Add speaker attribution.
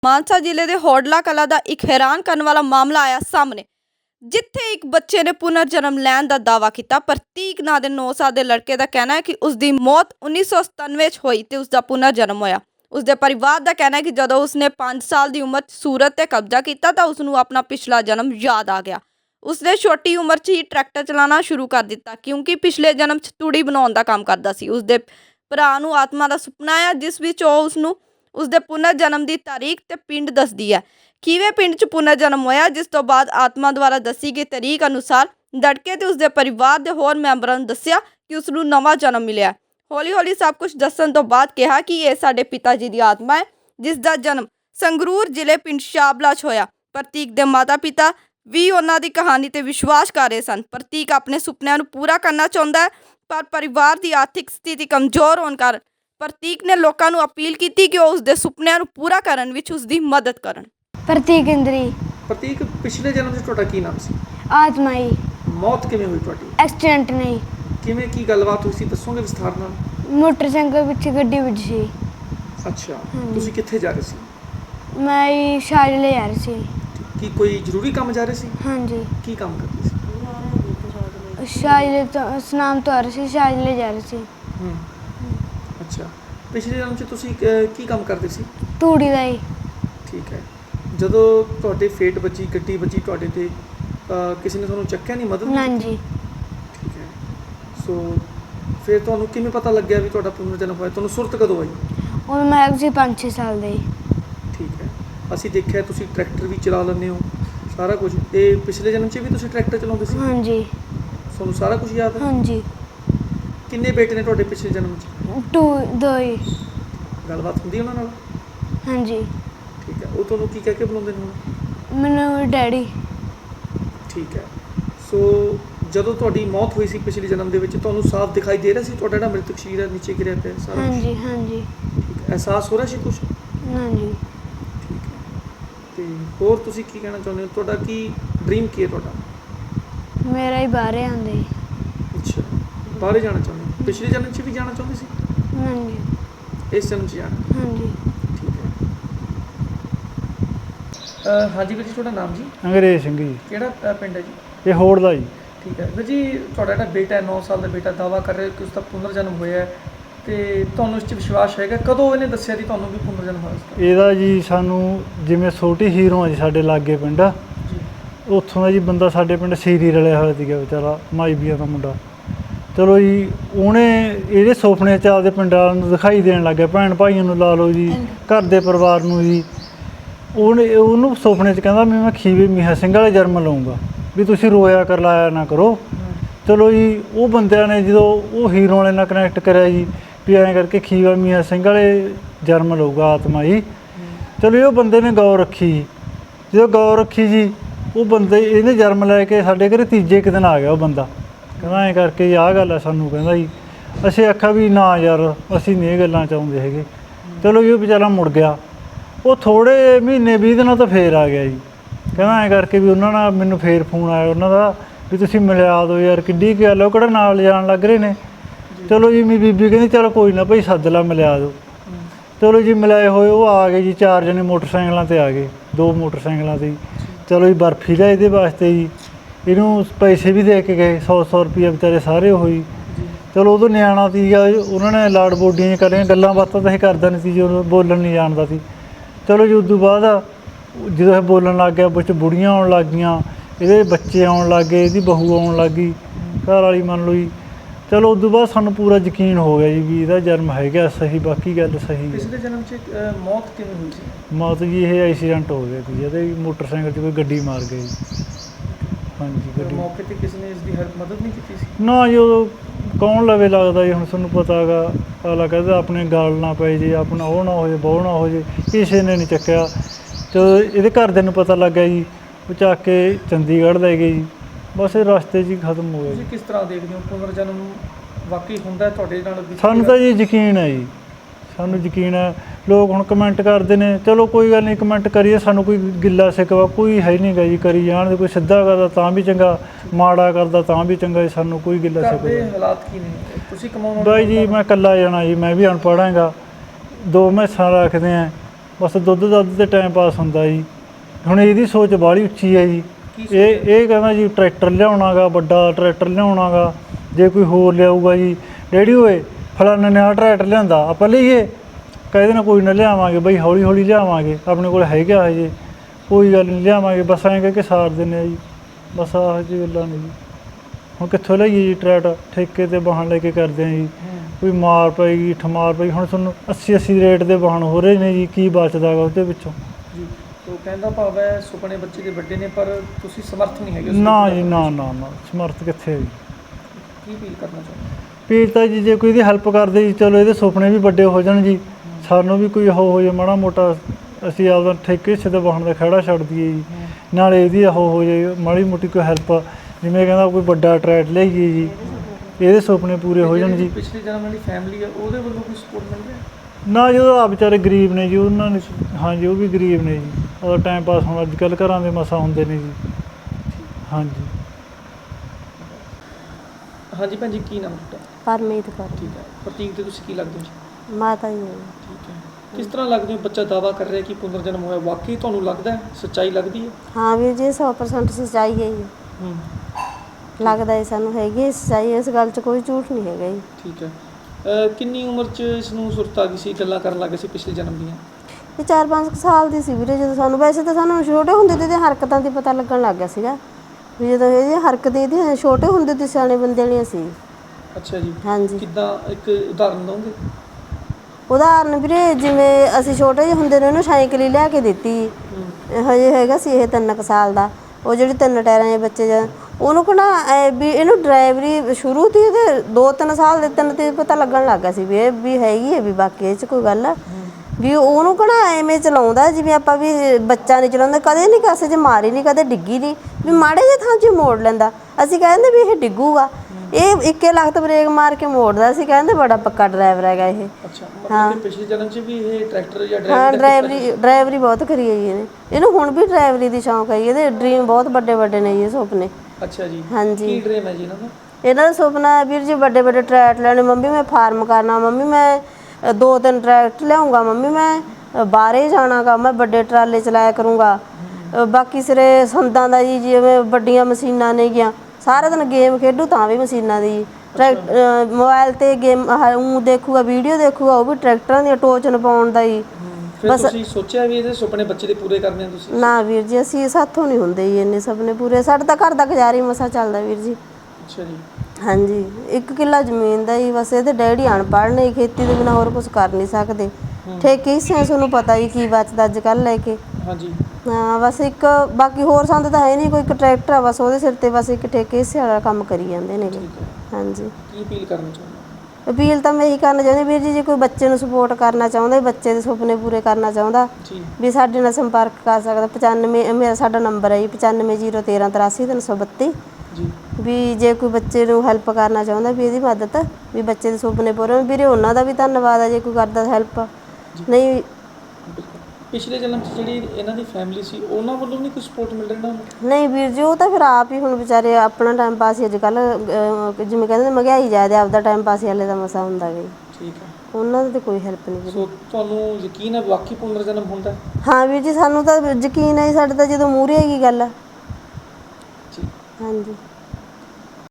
Speaker 1: ਮਾਨਸਾ ਜ਼ਿਲ੍ਹੇ ਦੇ ਹੋਡਲਾ ਕਲਾਂ ਦਾ ਇੱਕ ਹੈਰਾਨ ਕਰਨ ਵਾਲਾ ਮਾਮਲਾ ਆਇਆ ਸਾਹਮਣੇ, ਜਿੱਥੇ ਇੱਕ ਬੱਚੇ ਨੇ ਪੁਨਰ ਜਨਮ ਲੈਣ ਦਾ ਦਾਅਵਾ ਕੀਤਾ। ਪ੍ਰਤੀਕ ਨਾਂ ਦੇ 9 ਸਾਲ ਦੇ ਲੜਕੇ ਦਾ ਕਹਿਣਾ ਹੈ ਕਿ ਉਸ ਦੀ ਮੌਤ 1997 ਵਿੱਚ ਹੋਈ ਤੇ ਉਸ ਦਾ ਪੁਨਰ ਜਨਮ ਹੋਇਆ। ਉਸ ਦੇ ਪਰਿਵਾਰ ਦਾ ਕਹਿਣਾ ਹੈ ਕਿ ਜਦੋਂ ਉਸਨੇ 5 ਸਾਲ ਦੀ ਉਮਰ 'ਚ ਸੂਰਤ ਤੇ ਕਬਜ਼ਾ ਕੀਤਾ ਤਾਂ ਉਸ ਨੂੰ ਆਪਣਾ ਪਿਛਲਾ ਜਨਮ ਯਾਦ ਆ ਗਿਆ। ਉਸਨੇ ਛੋਟੀ ਉਮਰ 'ਚ ਹੀ ਟਰੈਕਟਰ ਚਲਾਉਣਾ ਸ਼ੁਰੂ ਕਰ ਦਿੱਤਾ, ਕਿਉਂਕਿ ਪਿਛਲੇ ਜਨਮ 'ਚ ਤੂੜੀ ਬਣਾਉਣ ਦਾ ਕੰਮ ਕਰਦਾ ਸੀ। ਉਸਦੇ ਭਰਾ ਨੂੰ ਆਤਮਾ ਦਾ ਸੁਪਨਾ ਆਇਆ, ਜਿਸ ਵਿੱਚ ਉਹ ਉਸਨੂੰ ਉਸਦੇ ਪੁਨਰ ਜਨਮ ਦੀ ਤਾਰੀਖ ਤੇ ਪਿੰਡ ਦੱਸਦੀ ਹੈ। ਕਿਵੇਂ ਪਿੰਡ 'ਚ ਪੁਨਰ ਜਨਮ ਹੋਇਆ, ਜਿਸ ਤੋਂ ਬਾਅਦ ਆਤਮਾ ਦੁਆਰਾ ਦੱਸੀ ਗਈ ਤਾਰੀਖ ਅਨੁਸਾਰ ਲੜਕੇ ਤੇ ਉਸਦੇ ਪਰਿਵਾਰ ਦੇ ਹੋਰ ਮੈਂਬਰਾਂ ਨੂੰ ਦੱਸਿਆ ਕਿ ਉਸ ਨੂੰ ਨਵਾਂ ਜਨਮ ਮਿਲਿਆ। ਹੌਲੀ-ਹੌਲੀ ਸਭ ਕੁਝ ਦੱਸਣ ਤੋਂ ਬਾਅਦ ਕਿਹਾ ਕਿ ਇਹ ਸਾਡੇ ਪਿਤਾ ਜੀ ਦੀ ਆਤਮਾ ਹੈ, ਜਿਸ ਦਾ ਜਨਮ ਸੰਗਰੂਰ ਜ਼ਿਲ੍ਹੇ ਪਿੰਡ ਸ਼ਾਬਲਾ 'ਚ ਹੋਇਆ। ਪ੍ਰਤੀਕ ਦੇ ਮਾਤਾ-ਪਿਤਾ ਵੀ ਉਹਨਾਂ ਦੀ ਕਹਾਣੀ ਤੇ ਵਿਸ਼ਵਾਸ ਕਰ ਰਹੇ ਸਨ। ਪ੍ਰਤੀਕ ਆਪਣੇ ਸੁਪਨਿਆਂ ਨੂੰ ਪੂਰਾ ਕਰਨਾ ਚਾਹੁੰਦਾ ਹੈ, ਪਰ ਪਰਿਵਾਰ ਦੀ ਆਰਥਿਕ ਸਥਿਤੀ ਕਮਜ਼ੋਰ ਹੋਣ ਕਾਰਨ ਪ੍ਰਤੀਕ ਨੇ ਲੋਕਾਂ ਨੂੰ ਅਪੀਲ ਕੀਤੀ ਕਿ ਉਹ ਉਸਦੇ ਸੁਪਨਿਆਂ ਨੂੰ ਪੂਰਾ ਕਰਨ ਵਿੱਚ ਉਸਦੀ ਮਦਦ ਕਰਨ।
Speaker 2: ਪ੍ਰਤੀਕ ਇੰਦਰੀ।
Speaker 3: ਪ੍ਰਤੀਕ, ਪਿਛਲੇ ਜਨਮ 'ਚ ਤੁਹਾਡਾ ਕੀ ਨਾਮ ਸੀ?
Speaker 2: ਆਤਮਾਈ।
Speaker 3: ਮੌਤ ਕਿਵੇਂ ਹੋਈ ਤੁਹਾਡੀ?
Speaker 2: ਐਕਸੀਡੈਂਟ ਨਹੀਂ।
Speaker 3: ਕਿਵੇਂ, ਕੀ ਗੱਲਬਾਤ ਹੋਈ ਸੀ, ਦੱਸੋਗੇ ਵਿਸਥਾਰ ਨਾਲ?
Speaker 2: ਮੋਟਰਸਾਈਕਲ ਪਿੱਛੇ ਗੱਡੀ ਵੱਜ ਸੀ।
Speaker 3: ਅੱਛਾ, ਤੁਸੀਂ ਕਿੱਥੇ ਜਾ ਰਹੇ ਸੀ?
Speaker 2: ਮੈਂ ਸ਼ਾਇਲੇ ਜਾ ਰਹੀ ਸੀ।
Speaker 3: ਕੀ ਕੋਈ ਜ਼ਰੂਰੀ ਕੰਮ ਜਾ ਰਹੇ ਸੀ?
Speaker 2: ਹਾਂਜੀ।
Speaker 3: ਕੀ ਕੰਮ ਕਰਦੇ ਸੀ?
Speaker 2: ਸ਼ਾਇਲੇ ਤੋਂ ਸਨਾਮ ਤੋਂ ਆ ਰਹੀ ਸੀ, ਸ਼ਾਇਲੇ ਜਾ ਰਹੀ ਸੀ।
Speaker 3: ਅੱਛਾ, ਪਿਛਲੇ ਜਨਮ 'ਚ ਤੁਸੀਂ ਕੀ ਕੰਮ ਕਰਦੇ ਸੀ?
Speaker 2: ਤੂੜੀ ਦਾ ਹੀ।
Speaker 3: ਠੀਕ ਹੈ। ਜਦੋਂ ਤੁਹਾਡੇ ਫੇਟ ਵੱਜੀ, ਗੱਡੀ ਵੱਜੀ ਤੁਹਾਡੇ ਤੇ, ਕਿਸੇ ਨੇ ਤੁਹਾਨੂੰ ਚੱਕਿਆ ਨਹੀਂ, ਮਦਦ ਨਹੀਂ
Speaker 2: ਹਾਂਜੀ।
Speaker 3: ਠੀਕ ਹੈ। ਸੋ ਫਿਰ ਤੁਹਾਨੂੰ ਕਿਵੇਂ ਪਤਾ ਲੱਗਿਆ ਵੀ ਤੁਹਾਡਾ ਪੁਨਰ ਜਨਮ ਹੋਇਆ? ਤੁਹਾਨੂੰ ਸੁਰਤ ਕਦੋਂ ਆਈ?
Speaker 2: ਉਹ ਮੈਂ ਸੀ 5-6 ਸਾਲ ਦੇ।
Speaker 3: ਠੀਕ ਹੈ। ਅਸੀਂ ਦੇਖਿਆ ਤੁਸੀਂ ਟਰੈਕਟਰ ਵੀ ਚਲਾ ਲੈਂਦੇ ਹੋ, ਸਾਰਾ ਕੁਝ। ਇਹ ਪਿਛਲੇ ਜਨਮ 'ਚ ਵੀ ਤੁਸੀਂ ਟਰੈਕਟਰ ਚਲਾਉਂਦੇ ਸੀ?
Speaker 2: ਹਾਂਜੀ।
Speaker 3: ਤੁਹਾਨੂੰ ਸਾਰਾ ਕੁਝ ਯਾਦ ਹੈ?
Speaker 2: ਹਾਂਜੀ।
Speaker 3: ਕਿੰਨੇ ਬੇਟੇ ਨੇ ਤੁਹਾਡੇ ਪਿਛਲੇ ਜਨਮ 'ਚ?
Speaker 2: 2 ਹੀ।
Speaker 3: ਗੱਲਬਾਤ ਹੁੰਦੀ ਉਹਨਾਂ ਨਾਲ?
Speaker 2: ਹਾਂਜੀ।
Speaker 3: ਠੀਕ ਹੈ। ਉਹ ਤੁਹਾਨੂੰ ਕੀ ਕਹਿ ਕੇ ਬੁਲਾਉਂਦੇ ਨੇ ਹੁਣ?
Speaker 2: ਮੈਨੂੰ ਡੈਡੀ।
Speaker 3: ਠੀਕ ਹੈ। ਸੋ ਜਦੋਂ ਤੁਹਾਡੀ ਮੌਤ ਹੋਈ ਸੀ ਪਿਛਲੇ ਜਨਮ ਦੇ ਵਿੱਚ, ਤੁਹਾਨੂੰ ਸਾਫ਼ ਦਿਖਾਈ ਦੇ ਰਿਹਾ ਸੀ ਤੁਹਾਡਾ ਜਿਹੜਾ ਮ੍ਰਿਤਕ ਸਰੀਰ ਹੈ ਨੀਚੇ ਗਿਰਿਆ ਪਿਆ ਸਾਰਾ?
Speaker 2: ਹਾਂਜੀ। ਹਾਂਜੀ।
Speaker 3: ਠੀਕ ਹੈ। ਅਹਿਸਾਸ ਹੋ ਰਿਹਾ ਸੀ ਕੁਝ?
Speaker 2: ਹਾਂਜੀ।
Speaker 3: ਠੀਕ ਹੈ। ਤੇ ਹੋਰ ਤੁਸੀਂ ਕੀ ਕਹਿਣਾ ਚਾਹੁੰਦੇ ਹੋ? ਤੁਹਾਡਾ ਕੀ ਡ੍ਰੀਮ ਕੀ ਹੈ ਤੁਹਾਡਾ?
Speaker 2: ਮੇਰਾ ਹੀ ਬਾਹਰੇ ਆਉਂਦੇ।
Speaker 3: ਅੱਛਾ, ਬਾਹਰ ਜਾਣਾ ਚਾਹੁੰਦੇ ਹੋ? ਪਿਛਲੇ ਜਨਮ 'ਚ ਵੀ ਜਾਣਾ ਚਾਹੁੰਦੇ ਸੀ?
Speaker 2: ਹਾਂਜੀ।
Speaker 3: ਇਸ ਜਨਮ 'ਚ ਜਾਣਾ?
Speaker 2: ਹਾਂਜੀ।
Speaker 3: ਠੀਕ ਹੈ। ਹਾਂਜੀ ਵੀਰ ਜੀ, ਤੁਹਾਡਾ ਨਾਮ ਜੀ?
Speaker 4: ਅੰਗਰੇਜ਼ ਸਿੰਘ ਜੀ।
Speaker 3: ਕਿਹੜਾ ਪਿੰਡ ਹੈ ਜੀ?
Speaker 4: ਇਹ ਹੋੜਦਾ ਜੀ।
Speaker 3: ਠੀਕ ਹੈ ਵੀਰ ਜੀ, ਤੁਹਾਡਾ ਜਿਹੜਾ ਬੇਟਾ ਹੈ, 9 ਸਾਲ ਦਾ ਬੇਟਾ, ਦਾਅਵਾ ਕਰ ਰਿਹਾ ਕਿ ਉਸ ਦਾ ਪੁਨਰ ਜਨਮ ਹੋਇਆ ਹੈ, ਤੇ ਤੁਹਾਨੂੰ ਇਸ 'ਚ ਵਿਸ਼ਵਾਸ ਹੈਗਾ? ਕਦੋਂ ਇਹਨੇ ਦੱਸਿਆ ਜੀ ਤੁਹਾਨੂੰ ਵੀ ਪੁਨਰ ਜਨਮ ਹੋਇਆ ਸੀ?
Speaker 4: ਇਹਦਾ ਜੀ ਸਾਨੂੰ ਜਿਵੇਂ ਛੋਟੀ ਹੀਰੋ ਆ ਜੀ, ਸਾਡੇ ਲਾਗੇ ਪਿੰਡ,
Speaker 3: ਜੀ।
Speaker 4: ਉੱਥੋਂ ਦਾ ਜੀ ਬੰਦਾ ਸਾਡੇ ਪਿੰਡ ਸੀਰੀ ਰਲਿਆ ਹੋਇਆ ਸੀਗਾ ਵਿਚਾਰਾ, ਮਾਈਬੀਆ ਦਾ ਮੁੰਡਾ। ਚਲੋ ਜੀ, ਉਹਨੇ ਇਹਦੇ ਸੁਪਨੇ 'ਚ ਆਪਦੇ ਪਿੰਡ ਵਾਲਿਆਂ ਨੂੰ ਦਿਖਾਈ ਦੇਣ ਲੱਗ ਗਿਆ, ਭੈਣ ਭਾਈਆਂ ਨੂੰ ਲਾ ਲਓ ਜੀ, ਘਰ ਦੇ ਪਰਿਵਾਰ ਨੂੰ ਜੀ। ਉਹਨੂੰ ਸੁਪਨੇ 'ਚ ਕਹਿੰਦਾ ਵੀ ਮੈਂ ਖੀਵੇ ਮੀਆਂ ਸਿੰਘ ਵਾਲੇ ਜਨਮ ਲਊਂਗਾ, ਵੀ ਤੁਸੀਂ ਰੋਇਆ ਕਰ ਲਾਇਆ ਨਾ ਕਰੋ। ਚਲੋ ਜੀ, ਉਹ ਬੰਦਿਆਂ ਨੇ ਜਦੋਂ ਉਹ ਹੀਰੋ ਵਾਲੇ ਨਾਲ ਕਨੈਕਟ ਕਰਿਆ ਜੀ, ਵੀ ਐਂ ਕਰਕੇ ਖੀਵਾ ਮੀਆਂ ਸਿੰਘ ਵਾਲੇ ਜਨਮ ਲਊਗਾ ਆਤਮਾ ਜੀ। ਚਲੋ ਜੀ, ਉਹ ਬੰਦੇ ਨੇ ਗੌਰ ਰੱਖੀ ਜੀ। ਜਦੋਂ ਗੌਰ ਰੱਖੀ ਜੀ, ਉਹ ਬੰਦੇ ਇਹਨੇ ਜਨਮ ਲੈ ਕੇ ਸਾਡੇ ਘਰੇ ਤੀਜੇ ਕੁ ਦਿਨ ਆ ਗਿਆ। ਉਹ ਬੰਦਾ ਕਹਿੰਦਾ ਐਂ ਕਰਕੇ ਆਹ ਗੱਲ ਹੈ ਸਾਨੂੰ, ਕਹਿੰਦਾ ਜੀ। ਅਸੀਂ ਆਖਿਆ ਵੀ ਨਾ ਯਾਰ, ਅਸੀਂ ਨਹੀਂ ਇਹ ਗੱਲਾਂ ਚਾਹੁੰਦੇ ਹੈਗੇ। ਚਲੋ ਜੀ, ਉਹ ਵਿਚਾਰਾ ਮੁੜ ਗਿਆ। ਉਹ ਥੋੜ੍ਹੇ ਮਹੀਨੇ 20 ਦਿਨਾਂ ਤੋਂ ਫੇਰ ਆ ਗਿਆ ਜੀ। ਕਹਿੰਦਾ ਐਂ ਕਰਕੇ ਵੀ ਉਹਨਾਂ ਨਾਲ ਮੈਨੂੰ ਫੇਰ ਫੋਨ ਆਇਆ ਉਹਨਾਂ ਦਾ, ਵੀ ਤੁਸੀਂ ਮਿਲਿਆ ਦਿਓ ਯਾਰ, ਕਿੱਡੀ ਕੁ ਗੱਲ, ਉਹ ਕਿਹੜਾ ਨਾਲ ਲਿਜਾਣ ਲੱਗ ਰਹੇ ਨੇ। ਚਲੋ ਜੀ, ਮੇਰੀ ਬੀਬੀ ਕਹਿੰਦੀ ਚਲੋ ਕੋਈ ਨਾ ਭਾਈ, ਸੱਦ ਲਾ, ਮਿਲਿਆ ਦਿਓ। ਚਲੋ ਜੀ, ਮਿਲਾਏ ਹੋਏ ਉਹ ਆ ਗਏ ਜੀ, 4 ਜਣੇ ਮੋਟਰਸਾਈਕਲਾਂ 'ਤੇ ਆ ਗਏ, 2 ਮੋਟਰਸਾਈਕਲਾਂ 'ਤੇ। ਚਲੋ ਜੀ, ਬਰਫੀ ਦਾ ਇਹਦੇ ਵਾਸਤੇ ਜੀ, ਇਹਨੂੰ ਪੈਸੇ ਵੀ ਦੇ ਕੇ ਗਏ, 100-100 ਰੁਪਈਆ ਵਿਚਾਰੇ ਸਾਰੇ ਉਹ ਹੀ। ਚਲੋ ਉਦੋਂ ਨਿਆਣਾ ਸੀਗਾ, ਉਹਨਾਂ ਨੇ ਲਾੜ ਬੋਡੀਆਂ ਕਰੀਆਂ, ਗੱਲਾਂ ਬਾਤਾਂ ਤਾਂ ਇਹ ਕਰਦਾ ਨਹੀਂ ਸੀ, ਜਦੋਂ ਬੋਲਣ ਨਹੀਂ ਜਾਣਦਾ ਸੀ। ਚਲੋ ਜੀ, ਉਦੋਂ ਬਾਅਦ ਜਦੋਂ ਇਹ ਬੋਲਣ ਲੱਗ ਗਿਆ, ਵਿੱਚ ਬੁੜੀਆਂ ਆਉਣ ਲੱਗ ਗਈਆਂ, ਇਹਦੇ ਬੱਚੇ ਆਉਣ ਲੱਗ ਗਏ, ਇਹਦੀ ਬਹੂ ਆਉਣ ਲੱਗ ਗਈ, ਘਰ ਵਾਲੀ ਮੰਨ ਲਓ ਜੀ। ਚਲੋ ਉਦੋਂ ਬਾਅਦ ਸਾਨੂੰ ਪੂਰਾ ਯਕੀਨ ਹੋ ਗਿਆ ਜੀ ਵੀ ਇਹਦਾ ਜਨਮ ਹੈਗਾ ਸਹੀ, ਬਾਕੀ ਗੱਲ ਸਹੀ ਹੈ।
Speaker 3: ਪਿਛਲੇ ਜਨਮ 'ਚ ਮੌਤ ਕਿਵੇਂ ਹੋਈ ਸੀ?
Speaker 4: ਮੌਤ ਜੀ ਇਹ ਐਕਸੀਡੈਂਟ ਹੋ ਗਿਆ ਸੀ, ਇਹਦੇ ਮੋਟਰਸਾਈਕਲ 'ਚ ਕੋਈ ਗੱਡੀ ਮਾਰ ਗਈ। ਹਾਂਜੀ, ਗੱਡੀ।
Speaker 3: ਮੌਕੇ 'ਤੇ ਕਿਸੇ ਨੇ ਇਸ ਦੀ ਹੈਲਪ, ਮਦਦ ਨਹੀਂ ਕੀਤੀ ਸੀ?
Speaker 4: ਨਾ ਜੀ, ਉਦੋਂ ਕੌਣ ਲਵੇ ਲੱਗਦਾ ਜੀ। ਹੁਣ ਤੁਹਾਨੂੰ ਪਤਾ ਹੈਗਾ, ਅਗਲਾ ਕਹਿੰਦਾ ਆਪਣੇ ਗਲ ਨਾ ਪਏ ਜੀ, ਆਪਣਾ ਉਹ ਨਾ ਹੋ ਜਾਏ, ਬਹੁ ਨਾ ਹੋ ਜਾਏ, ਕਿਸੇ ਨੇ ਨਹੀਂ ਚੱਕਿਆ। ਜਦੋਂ ਇਹਦੇ ਘਰਦਿਆਂ ਨੂੰ ਪਤਾ ਲੱਗਾ ਜੀ, ਉਹ ਚੱਕ ਕੇ ਚੰਡੀਗੜ੍ਹ ਲੈ ਗਏ ਜੀ। ਬਸ ਇਹ ਰਸਤੇ 'ਚ ਹੀ ਖਤਮ ਹੋ ਗਿਆ।
Speaker 3: ਤੁਸੀਂ ਕਿਸ ਤਰ੍ਹਾਂ ਦੇਖਦੇ ਹੋ, ਪੁਨਰ ਜਨਮ ਵਾਕਈ ਹੁੰਦਾ ਤੁਹਾਡੇ ਨਾਲ?
Speaker 4: ਸਾਨੂੰ ਤਾਂ ਜੀ ਯਕੀਨ ਹੈ ਜੀ, ਸਾਨੂੰ ਯਕੀਨ ਹੈ। ਲੋਕ ਹੁਣ ਕਮੈਂਟ ਕਰਦੇ ਨੇ, ਚਲੋ ਕੋਈ ਗੱਲ ਨਹੀਂ, ਕਮੈਂਟ ਕਰੀਏ, ਸਾਨੂੰ ਕੋਈ ਗਿੱਲਾ ਸਿਕਵਾ ਕੋਈ ਹੈ ਨਹੀਂ ਗਾ ਜੀ, ਕਰੀ ਜਾਣ ਦੇ। ਕੋਈ ਸਿੱਧਾ ਕਰਦਾ ਤਾਂ ਵੀ ਚੰਗਾ, ਮਾੜਾ ਕਰਦਾ ਤਾਂ ਵੀ ਚੰਗਾ ਜੀ, ਸਾਨੂੰ ਕੋਈ ਗਿੱਲਾ ਸਿਕਵਾ।
Speaker 3: ਦੇ ਹਾਲਾਤ ਕੀ ਨੇ? ਤੁਸੀਂ ਕਮਾਉਣ
Speaker 4: ਬਾਈ ਜੀ, ਮੈਂ ਇਕੱਲਾ ਜਾਣਾ ਜੀ, ਮੈਂ ਵੀ ਅਨਪੜ੍ਹ ਹੈਗਾ, 2 ਮੈਸਾਂ ਰੱਖਦੇ ਹਾਂ, ਬਸ ਦੁੱਧ ਦੱਧ ਤੇ ਟਾਈਮ ਪਾਸ ਹੁੰਦਾ ਜੀ। ਹੁਣ ਇਹਦੀ ਸੋਚ ਬਾਹਲੀ ਉੱਚੀ ਹੈ ਜੀ। ਇਹ ਕਹਿੰਦਾ ਜੀ ਟਰੈਕਟਰ ਲਿਆਉਣਾਗਾ, ਵੱਡਾ ਟਰੈਕਟਰ ਲਿਆਉਣਾਗਾ, ਜੇ ਕੋਈ ਹੋਰ ਲਿਆਊਗਾ ਜੀ ਡੈਡੀ ਓਏ ਫਲਾਣੇ ਨੇ ਆਹ ਟਰੈਕਟਰ ਲਿਆਂਦਾ ਆਪਾਂ ਲਈਏ, ਕਹਿੰਦੇ ਨਾ ਕੋਈ ਨਾ ਲਿਆਵਾਂਗੇ ਬਈ, ਹੌਲੀ ਹੌਲੀ ਲਿਆਵਾਂਗੇ, ਆਪਣੇ ਕੋਲ ਹੈਗਾ ਹਜੇ, ਕੋਈ ਗੱਲ ਨਹੀਂ ਲਿਆਵਾਂਗੇ, ਬਸ ਐਂ ਕਹਿ ਕੇ ਸਾਰ ਦਿੰਦੇ ਆ ਜੀ। ਬਸ ਆਹ ਜੀ ਗੱਲਾਂ ਨੇ ਜੀ। ਹੁਣ ਕਿੱਥੋਂ ਲਈਏ ਜੀ ਟਰੈਕਟਰ, ਠੇਕੇ 'ਤੇ ਵਾਹਨ ਲੈ ਕੇ ਕਰਦੇ ਆ ਜੀ। ਕੋਈ ਮਾਰ ਪਏਗੀ, ਠਮਾਰ ਪਈ, ਹੁਣ ਤੁਹਾਨੂੰ 80 ਰੇਟ ਦੇ ਵਾਹਨ ਹੋ ਰਹੇ ਨੇ ਜੀ, ਕੀ ਬਚਦਾ ਗਾ ਉਹਦੇ ਵਿੱਚੋਂ
Speaker 3: ਜੀ। ਤੋ ਕਹਿੰਦਾ ਭਾਵ ਹੈ ਸੁਪਨੇ ਬੱਚੇ ਦੇ ਵੱਡੇ ਨੇ ਪਰ ਤੁਸੀਂ ਸਮਰਥ ਨਹੀਂ ਹੈਗੇ ਉਸ
Speaker 4: ਨਾ
Speaker 3: ਨੂੰ
Speaker 4: ਜੀ, ਨਾ ਨਾ ਨਾ ਸਮਰਥ ਕਿੱਥੇ ਜੀ।
Speaker 3: ਕੀ ਅਪੀਲ ਕਰਨਾ ਚਾਹੁੰਦੇ?
Speaker 4: ਪੀਰ ਤਾਂ ਜੀ ਜੇ ਕੋਈ ਇਹਦੀ ਹੈਲਪ ਕਰਦੇ ਜੀ, ਚਲੋ ਇਹਦੇ ਸੁਪਨੇ ਵੀ ਵੱਡੇ ਹੋ ਜਾਣ ਜੀ, ਸਾਨੂੰ ਵੀ ਕੋਈ ਉਹ ਹੋ ਜਾਏ ਮਾੜਾ ਮੋਟਾ, ਅਸੀਂ ਆਪਦਾ ਠੇਕੇ ਹਿੱਸੇ ਦੇ ਵਾਹਨ ਦਾ ਖਹਿੜਾ ਛੱਡ ਦਈਏ ਜੀ, ਨਾਲੇ ਇਹਦੀ ਉਹ ਹੋ ਜਾਏ ਮਾੜੀ ਮੋਟੀ ਕੋਈ ਹੈਲਪ, ਜਿਵੇਂ ਕਹਿੰਦਾ ਕੋਈ ਵੱਡਾ ਟਰੈਕਟ ਲਿਆਈਏ ਜੀ, ਇਹਦੇ ਸੁਪਨੇ ਪੂਰੇ ਹੋ ਜਾਣ ਜੀ।
Speaker 3: ਪਿਛਲੇ ਜਨਮ ਵਾਲੀ ਫੈਮਿਲੀ ਹੈ ਉਹਦੇ ਵੱਲੋਂ ਕੋਈ ਸਪੋਰਟ ਮਿਲ ਰਿਹਾ?
Speaker 4: ਨਾ ਜਦੋਂ ਆ ਵਿਚਾਰੇ ਗਰੀਬ ਨੇ ਜੀ, ਉਹਨਾਂ ਨੇ ਹਾਂਜੀ ਉਹ ਵੀ ਗਰੀਬ ਨੇ ਜੀ, ਉਹਦਾ ਟਾਈਮ ਪਾਸ ਹੁਣ ਅੱਜ ਕੱਲ੍ਹ ਘਰਾਂ ਦੇ ਮਸਾ ਹੁੰਦੇ ਨੇ ਜੀ। ਹਾਂਜੀ
Speaker 3: ਹਾਂਜੀ ਭੈਣ ਜੀ, ਕੀ ਨਾਮ ਤੁਹਾਡਾ?
Speaker 2: ਪਰਮੀਤ ਕੌਰ
Speaker 3: ਠੀਕ ਹੈ। ਪ੍ਰਤੀਕ ਤੇ ਤੁਸੀਂ ਕੀ ਲੱਗਦੇ ਹੋ ਜੀ?
Speaker 2: ਮਾਤਾ ਜੀ ਨੇ।
Speaker 3: ਠੀਕ ਹੈ। ਕਿਸ ਤਰ੍ਹਾਂ ਲੱਗਦੇ ਹੋ ਬੱਚਾ ਦਾਵਾ ਕਰ ਰਿਹਾ ਕਿ ਪੁਨਰ ਜਨਮ ਹੋਇਆ, ਵਾਕਈ ਤੁਹਾਨੂੰ ਲੱਗਦਾ ਹੈ, ਸੱਚਾਈ ਲੱਗਦੀ ਹੈ?
Speaker 2: ਹਾਂ ਵੀਰ ਜੀ 100% ਸੱਚਾਈ ਹੈ ਜੀ।
Speaker 3: ਹੂੰ।
Speaker 2: ਲੱਗਦਾ ਹੈ ਸਾਨੂੰ ਹੈਗੀ ਹੈ ਸੱਚਾਈ, ਇਸ ਗੱਲ 'ਚ ਕੋਈ ਝੂਠ ਨਹੀਂ ਹੈਗਾ ਜੀ।
Speaker 3: ਠੀਕ ਹੈ। ਕਿੰਨੀ ਉਮਰ 'ਚ ਇਸ ਨੂੰ ਸੁਰਤ ਆ ਗਈ ਸੀ, ਗੱਲਾਂ ਕਰਨ ਲੱਗੇ ਸੀ ਪਿਛਲੇ ਜਨਮ ਦੀਆਂ?
Speaker 2: ਇਹ 4-5 ਸਾਲ ਦੀ ਸੀ ਵੀਰੇ ਜਦੋਂ ਸਾਨੂੰ, ਵੈਸੇ ਤਾਂ ਸਾਨੂੰ ਛੋਟੇ ਹੁੰਦੇ ਤੇ ਇਹਦੀਆਂ ਹਰਕਤਾਂ ਦੀ ਪਤਾ ਲੱਗਣ ਲੱਗ ਗਿਆ ਸੀਗਾ ਵੀ ਜਦੋਂ ਇਹਦੀਆਂ ਹਰਕਤਾਂ ਇਹਦੀਆਂ ਛੋਟੇ ਹੁੰਦੇ ਤੇ ਸਿਆਣੇ ਬੰਦੇ ਵਾਲੀਆਂ ਸੀ।
Speaker 3: ਅੱਛਾ ਜੀ।
Speaker 2: ਹਾਂਜੀ।
Speaker 3: ਕਿੱਦਾਂ, ਇੱਕ ਉਦਾਹਰਨ ਦਓਗੇ?
Speaker 2: ਉਦਾਹਰਨ ਵੀਰੇ ਜਿਵੇਂ ਅਸੀਂ ਛੋਟੇ ਜਿਹੇ ਹੁੰਦੇ ਨੇ ਉਹਨੂੰ ਸਾਈਕਲ ਹੀ ਲਿਆ ਕੇ ਦਿੱਤੀ, ਹਜੇ ਹੈਗਾ ਸੀ ਇਹ 3 ਕੁ ਸਾਲ ਦਾ, ਉਹ ਜਿਹੜੀ 3 ਟਾਇਰਾਂ ਦੇ ਬੱਚੇ ਜਾਂ ਉਹਨੂੰ ਕਹਿਣਾ ਵੀ ਇਹਨੂੰ ਡਰਾਈਵਰੀ ਸ਼ੁਰੂ ਤੀ ਇਹਦੇ 2-3 ਸਾਲ ਦੇ 3 ਤੇ ਪਤਾ ਲੱਗਣ ਲੱਗ ਗਿਆ ਸੀ ਵੀ ਇਹ ਵੀ ਹੈਗੀ ਹੈ ਵੀ ਬਾਕੀ ਇਹ 'ਚ ਕੋਈ ਗੱਲ ਆ ਵੀ ਉਹਨੂੰ ਕਹਿਣਾ ਐਵੇਂ ਚਲਾਉਂਦਾ ਜਿਵੇਂ ਆਪਾਂ ਵੀ ਬੱਚਾ ਨਹੀਂ ਚਲਾਉਂਦਾ, ਕਦੇ ਨਹੀਂ ਕਾਸੇ 'ਚ ਮਾਰੀ ਨਹੀਂ, ਕਦੇ ਡਿੱਗੀ ਨਹੀਂ, ਵੀ ਮਾੜੇ ਜਿਹੇ ਥਾਂ 'ਚ ਮੋੜ ਲੈਂਦਾ, ਅਸੀਂ ਕਹਿੰਦੇ ਵੀ ਇਹ ਡਿੱਗੂਗਾ, ਇਹ ਇੱਕੇ ਲੱਖਤ ਬ੍ਰੇਕ ਮਾਰ ਕੇ ਮੋੜਦਾ ਸੀ, ਕਹਿੰਦੇ ਬੜਾ ਪੱਕਾ ਡਰਾਈਵਰ ਹੈਗਾ ਇਹ।
Speaker 3: ਅੱਛਾ, ਮਤਲਬ ਕਿ ਪਿਛਲੇ ਜਨਮ 'ਚ ਵੀ ਇਹ ਟਰੈਕਟਰ ਜਾਂ
Speaker 2: ਹਾਂ
Speaker 3: ਡਰਾਈਵਰੀ
Speaker 2: ਡਰਾਈਵਰੀ ਬਹੁਤ ਕਰੀ ਹੈ ਜੀ ਇਹਨੇ, ਇਹਨੂੰ ਹੁਣ ਵੀ ਡਰਾਈਵਰੀ ਦੀ ਸ਼ੌਂਕ ਹੈ ਜੀ, ਇਹਦੇ ਡਰੀਮ ਬਹੁਤ ਵੱਡੇ ਵੱਡੇ ਨੇ ਜੀ, ਇਹ ਸੁਪਨੇ।
Speaker 3: ਅੱਛਾ ਜੀ।
Speaker 2: ਹਾਂਜੀ।
Speaker 3: ਕੀ ਡ੍ਰੀਮ ਹੈ ਜੀ ਇਹਨਾਂ ਦਾ?
Speaker 2: ਇਹਨਾਂ ਦਾ ਸੁਪਨਾ ਹੈ ਵੀਰ ਜੀ ਵੱਡੇ ਵੱਡੇ ਟਰੈਕਟ ਲੈਣੇ, ਮੰਮੀ ਮੈਂ ਫਾਰਮ ਕਰਨਾ, ਮੰਮੀ ਮੈਂ 2-3 ਟਰੈਕਟ ਲਿਆਉਂਗਾ, ਮੰਮੀ ਮੈਂ ਬਾਹਰੇ ਜਾਣਾਗਾ, ਮੈਂ ਵੱਡੇ ਟਰਾਲੇ ਚਲਾਇਆ ਕਰੂੰਗਾ। ਬਾਕੀ ਸਿਰੇ ਸੰਦਾਂ ਦਾ ਜੀ, ਜਿਵੇਂ ਵੱਡੀਆਂ ਮਸ਼ੀਨਾਂ ਨੇ ਗੀਆਂ, ਸਾਰਾ ਦਿਨ ਗੇਮ ਖੇਡੂ ਤਾਂ ਵੀ ਮਸ਼ੀਨਾਂ ਦੀ, ਮੋਬਾਈਲ ਤੇ ਗੇਮ ਦੇਖੂਗਾ, ਵੀਡੀਓ ਦੇਖੂਗਾ, ਉਹ ਵੀ ਟਰੈਕਟਰਾਂ ਦੀਆਂ ਟੋਚਨ ਪਾਉਣ ਦਾ ਜੀ।
Speaker 3: ਫਿਰ ਤੁਸੀਂ ਸੋਚਿਆ ਵੀ ਇਹਦੇ ਸੁਪਨੇ ਬੱਚੇ ਦੇ ਪੂਰੇ ਕਰਨੇ ਆ ਤੁਸੀਂ?
Speaker 2: ਨਾ ਵੀਰ ਜੀ, ਅਸੀਂ ਸਾਥੋਂ ਨਹੀਂ ਹੁੰਦੇ ਜੀ ਇੰਨੇ ਸੁਪਨੇ ਪੂਰੇ, ਸਾਡਾ ਤਾਂ ਘਰ ਦਾ ਗੁਜ਼ਾਰਾ ਹੀ ਮਸਾ ਚੱਲਦਾ ਵੀਰ ਜੀ।
Speaker 3: ਅੱਛਾ ਜੀ।
Speaker 2: ਹਾਂਜੀ, 1 ਕਿੱਲਾ ਜ਼ਮੀਨ ਦਾ ਹੀ ਬਸ, ਇਹਦੇ ਡੈਡੀ ਅਨਪੜ੍ਹ ਨੇ, ਖੇਤੀ ਦੇ ਬਿਨਾਂ ਹੋਰ ਕੁਝ ਕਰ ਨਹੀਂ ਸਕਦੇ, ਠੇਕੇ ਹਿੱਸੇ ਤੁਹਾਨੂੰ ਪਤਾ ਹੀ ਕੀ ਬਚਦਾ ਅੱਜ ਕੱਲ੍ਹ ਲੈ ਕੇ।
Speaker 3: ਹਾਂਜੀ।
Speaker 2: ਹਾਂ ਬਸ ਇੱਕ ਬਾਕੀ ਹੋਰ ਸੰਦ ਤਾਂ ਹੈ ਨਹੀਂ, ਕੋਈ ਇੱਕ ਟਰੈਕਟਰ ਆ ਬਸ, ਉਹਦੇ ਸਿਰ ਤੇ ਬਸ ਇੱਕ ਠੇਕੇ ਹਿੱਸੇ ਵਾਲਾ ਕੰਮ ਕਰੀ ਜਾਂਦੇ ਨੇ ਜੀ। ਹਾਂਜੀ।
Speaker 3: ਕੀ ਅਪੀਲ ਕਰਨਾ ਚਾਹੁੰਦੇ?
Speaker 2: ਅਪੀਲ ਤਾਂ ਮੈਂ ਇਹੀ ਕਰਨਾ ਚਾਹੁੰਦੀ ਵੀਰ ਜੀ, ਜੇ ਕੋਈ ਬੱਚੇ ਨੂੰ ਸਪੋਰਟ ਕਰਨਾ ਚਾਹੁੰਦਾ, ਬੱਚੇ ਦੇ ਸੁਪਨੇ ਪੂਰੇ ਕਰਨਾ ਚਾਹੁੰਦਾ, ਵੀ ਸਾਡੇ ਨਾਲ ਸੰਪਰਕ ਕਰ ਸਕਦਾ। 95 ਮੇਰਾ ਸਾਡਾ ਨੰਬਰ ਹੈ ਜੀ, 9501383332
Speaker 3: ਜੀ। ਵੀ
Speaker 2: ਜੇ ਕੋਈ ਬੱਚੇ ਨੂੰ ਹੈਲਪ ਕਰਨਾ ਚਾਹੁੰਦਾ ਵੀ ਇਹਦੀ ਮਦਦ, ਵੀ ਬੱਚੇ ਦੇ ਸੁਪਨੇ ਪੂਰੇ ਹੋਣ, ਵੀਰੇ ਉਹਨਾਂ ਦਾ ਵੀ ਧੰਨਵਾਦ ਹੈ ਜੇ ਕੋਈ ਕਰਦਾ ਹੈਲਪ। ਨਹੀਂ
Speaker 3: ਪਿਛਲੇ ਜਨਮ 'ਚ ਜਿਹੜੀ ਇਹਨਾਂ ਦੀ ਫੈਮਿਲੀ ਸੀ ਉਹਨਾਂ ਵੱਲੋਂ ਨਹੀਂ ਕੋਈ ਸਪੋਰਟ ਮਿਲ ਰਿਹਾ?
Speaker 2: ਨਹੀਂ ਵੀਰ ਜੀ, ਉਹ ਤਾਂ ਫਿਰ ਆਪ ਹੀ ਹੁਣ ਵਿਚਾਰੇ ਆਪਣਾ ਟਾਈਮ ਪਾਸ ਹੀ ਅੱਜ ਕੱਲ੍ਹ ਜਿਵੇਂ ਕਹਿੰਦੇ ਮਹਿੰਗਾਈ ਜ਼ਿਆਦਾ, ਆਪਦਾ ਟਾਈਮ ਪਾਸ ਹੀ ਹਾਲੇ ਦਾ ਮਸਾ ਹੁੰਦਾ ਗਈ।
Speaker 3: ਠੀਕ ਹੈ।
Speaker 2: ਉਹਨਾਂ ਦੀ ਤਾਂ ਕੋਈ ਹੈਲਪ ਨਹੀਂ ਵੀਰੇ।
Speaker 3: ਸੋ ਤੁਹਾਨੂੰ ਯਕੀਨ ਹੈ ਵਾਕਈ ਪੁਨਰ ਜਨਮ ਹੁੰਦਾ?
Speaker 2: ਹਾਂ ਵੀਰ ਜੀ, ਸਾਨੂੰ ਤਾਂ ਯਕੀਨ ਹੈ, ਸਾਡੇ ਤਾਂ ਜਦੋਂ ਮੂਹਰੇ ਹੈਗੀ ਗੱਲ।
Speaker 3: ਜੀ।
Speaker 2: ਹਾਂਜੀ।